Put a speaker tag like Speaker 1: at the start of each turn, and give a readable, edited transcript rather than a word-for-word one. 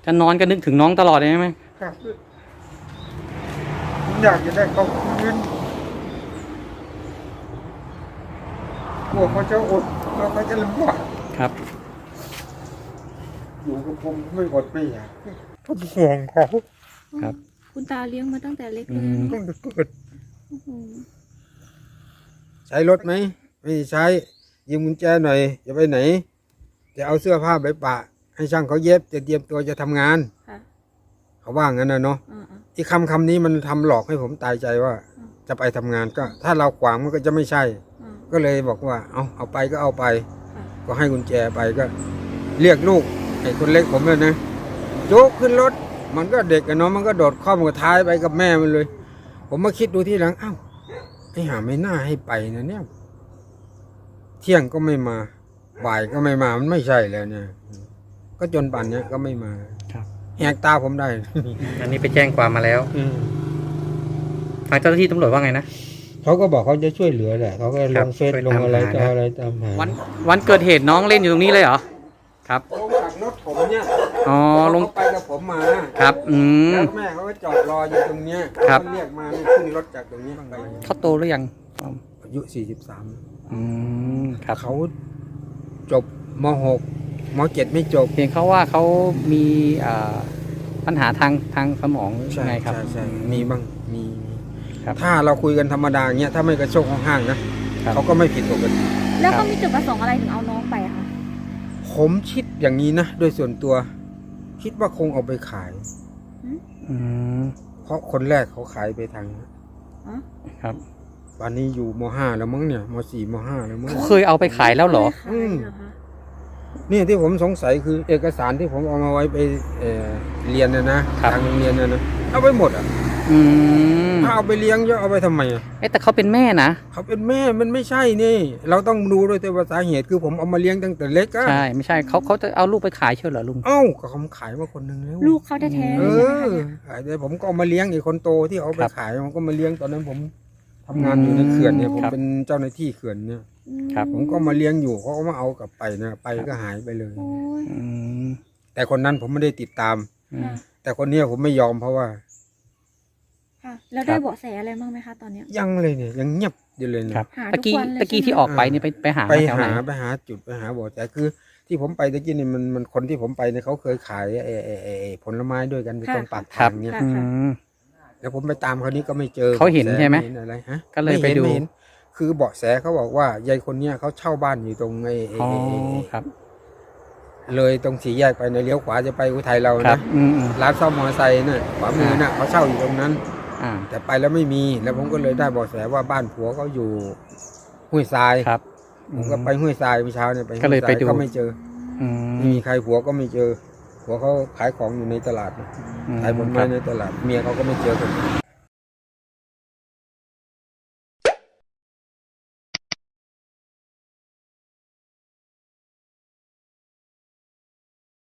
Speaker 1: จะนอนก็นึกถึงน้องตลอดเลยใช่ไหม
Speaker 2: ครับผมอยากจะได้เขาคืนกลัวเขาจะอดแล้วเขาจะลำบาก
Speaker 1: ครับ
Speaker 2: อยู่กับผมไม่อดไม่อยากผมห่วงเขา
Speaker 1: ครับ
Speaker 3: คุณตาเลี้ยงมาตั้งแต่เล็กเลย
Speaker 2: ต้องเกิด
Speaker 3: โอ้โห
Speaker 2: ใช้รถไหมไม่ใช้ยืมกุญแจหน่อยจะไปไหนจะเอาเสื้อผ้าไปปะให้ช่างเขาเย็บจะเตรียมตัวจะทำงาน
Speaker 3: ค่ะ
Speaker 2: เขาว่างั้นนะเนาะ
Speaker 3: อ่า
Speaker 2: อีกคำนี้มันทำหลอกให้ผมตายใจว่า จะไปทำงานก็ ถ้าเราขวางมันก็จะไม่ใช่
Speaker 3: อ่า
Speaker 2: ก็เลยบอกว่าเอาไปก็เอาไป
Speaker 3: ค่ะ
Speaker 2: ก็ให้กุญแจไปก็ เรียกลูกไอ้คนเล็กผมเลยนะโจ๊กขึ้นรถมันก็เด็กอะเนาะมันก็โดดข้อมกับท้ายไปกับแม่มันเลย ผมมาคิดดูที่หลังอ้าวไอ้หาไม่น่าให้ไปนะเนี่ยเที่ยงก็ไม่มาบ่ายก็ไม่มามันไม่ใช่แล้วเนี่ย ก็จนป่านเนี้ยก็ไม่มา
Speaker 1: ครับ
Speaker 2: แหกตาผมได้
Speaker 1: อันนี้ไปแจ้งความมาแล้วทางเจ้าหน้าที่ตำรวจว่าไงนะ
Speaker 2: เขาก็บอกเขาจะช่วยเหลือแหละเขาก็ลงเฟซ
Speaker 1: ช่วย
Speaker 2: ลง
Speaker 1: ตาม
Speaker 2: อะไร
Speaker 1: หา
Speaker 2: ต่อ
Speaker 1: นะ
Speaker 2: อะไรตามหา
Speaker 1: วันเกิดเหตุน้องเล่นอยู่ตรงนี้เลยเหรอครับ
Speaker 2: ลงจากรถผมเนี่ย
Speaker 1: อ๋อลง
Speaker 2: เขาไปกับผมมา
Speaker 1: ครับ
Speaker 2: แล้วแม่เขาก็จอดรออยู่ตรงเนี้ย
Speaker 1: ครับ
Speaker 2: เขาเรียกมาขึ้นรถจากตรงนี้ไป
Speaker 1: เขาโตหรือยัง
Speaker 2: อายุ43
Speaker 1: ครับ
Speaker 2: เขาจบม.6 ม.7 ไม่จบ
Speaker 1: เพียงเขาว่าเขามีปัญหาทางสมองหรือ
Speaker 2: ใช่
Speaker 1: ไงครับ
Speaker 2: ใช่มีบ้างมี
Speaker 1: ครับ
Speaker 2: ถ้าเราคุยกันธรรมดาอย่างเงี้ยถ้าไม่กระโชกห้างๆนะครับ เขาก็ไม่ผิดปกติ
Speaker 3: แล้วเขามีจุดประสงค์อะไรถึงเอาน้องไปอะคะ
Speaker 2: ผมคิดอย่างนี้นะโดยส่วนตัว คิดว่าคงเอาไปขาย
Speaker 1: อืม
Speaker 2: เพราะคนแรกเขาขายไปทาง
Speaker 3: อ๋อ
Speaker 1: ครับ
Speaker 2: วันนี้อยู่ม.5 แล้วมั้งเนี่ยม.4 ม.5 แล้วมั้ง
Speaker 1: เขาเคยเอาไปขายแล้วเหรอ
Speaker 3: ไม่ขายเหรอคะ
Speaker 2: นี่ที่ผมสงสัยคือเอกสารที่ผมเอามาไว้ไปเรียนนะทางโรงเรียนนะเอาไปหมดอ่ะ
Speaker 1: อืม
Speaker 2: ถ้าเอาไปเลี้ยงจะเอาไปทำไมอ่ะ
Speaker 1: แต่เขาเป็นแม่นะ
Speaker 2: เขาเป็นแม่มันไม่ใช่นี่ เราต้องดูด้วยแต่ว่าสาเหตุคือผมเอามาเลี้ยงตั้งแต่เล็กอะ
Speaker 1: ใช่ไม่ใช่เขาจะเอาลูกไปขายเชียวเหรอลุง
Speaker 2: เอ้าก็เขาขายมาคนหนึ่งแล้ว
Speaker 3: ลูกเขาแท้ๆ
Speaker 2: เอ
Speaker 3: เลยใช่ไหม
Speaker 2: อ
Speaker 3: คะเนี่ย
Speaker 2: ขายแต่ผมก็เอามาเลี้ยงอีกคนโตที่เอาไป
Speaker 1: ครับ
Speaker 2: ขายผมก็มาเลี้ยงตอนนั้นผมทำงานอยู่ในเขื่อนเนี่ยผม
Speaker 1: ครับ
Speaker 2: เป็นเจ้าหน้าที่เขื่อนเนี่ย
Speaker 1: ครับ
Speaker 2: ผมก็มาเลี้ยงอยู่เขาก็มาเอากลับไปนะไปก็หายไปเลย
Speaker 3: โอ้ย
Speaker 1: อืม
Speaker 2: แต่คนนั้นผมไม่ได้ติดตาม
Speaker 1: อืม
Speaker 2: แต่คนเนี้ยผมไม่ยอมเพราะว่า
Speaker 3: ค่ะ แล้วได้เบาะแสอะไรบ้างไหมคะตอนเนี้ย
Speaker 2: ยังเลยเนี่ยยังเงียบอยู่เลยนะครับ
Speaker 3: หา
Speaker 1: ตะกี้
Speaker 3: ทุกวันเลย
Speaker 1: ตะกี้
Speaker 3: ใช่ไหม
Speaker 1: ที่ออกไปนี่ไปหา
Speaker 2: ไป
Speaker 1: แถวไหน
Speaker 2: หาจุดไปหาบ่อแต่คือ ที่ผมไปตะกี้นี่มันคนที่ผมไปเนี่ยเขาเคยขายผลไม้ด้วยกันตรงปากทางเนี่ย
Speaker 3: ค่ะ
Speaker 1: อืม
Speaker 2: แล้วผมไปตามเขานี้ก็ไม่เจอ
Speaker 1: เขาเห็นใช่ไหม
Speaker 2: เห็นอะไรฮะ
Speaker 1: ก็เลยไปดู
Speaker 2: ม่ห็นคือเบาะแสเขาบอกว่ายายคนเนี้ยเขาเช่าบ้านอยู่ตรง
Speaker 1: อ๋อครับ
Speaker 2: เลยตรงสี่แยกไปในเลี้ยวขวาจะไปอุทัยเรา
Speaker 1: ครั
Speaker 2: นะ
Speaker 1: บอืม
Speaker 2: ร้านซ่อมมอเตอร์ไซค์น่ะขวามือน่ะเขาเช่าอยู่ตรงนั้น
Speaker 1: อ่า
Speaker 2: แต่ไปแล้วไม่มีแล้วผมก็เลยได้เบาะแสว่าบ้านผัวเขาอยู่ห้วยทราย
Speaker 1: ครับ
Speaker 2: ผมก็ไปห้วยทรายเมื่อเช้าเนี่ยไป
Speaker 1: ก็เลยไปดู
Speaker 2: ก็ไม่เจอ
Speaker 1: อื
Speaker 2: ไม่
Speaker 1: ม
Speaker 2: มีใครผัวก็ไม่เจอผัวเขาขายของอยู่ในตลาดนะ
Speaker 1: อืม
Speaker 2: ขายผล
Speaker 1: ค
Speaker 2: ไม้
Speaker 1: รับ
Speaker 2: ในตลาดเมียเขาก็ไม่เจอกัน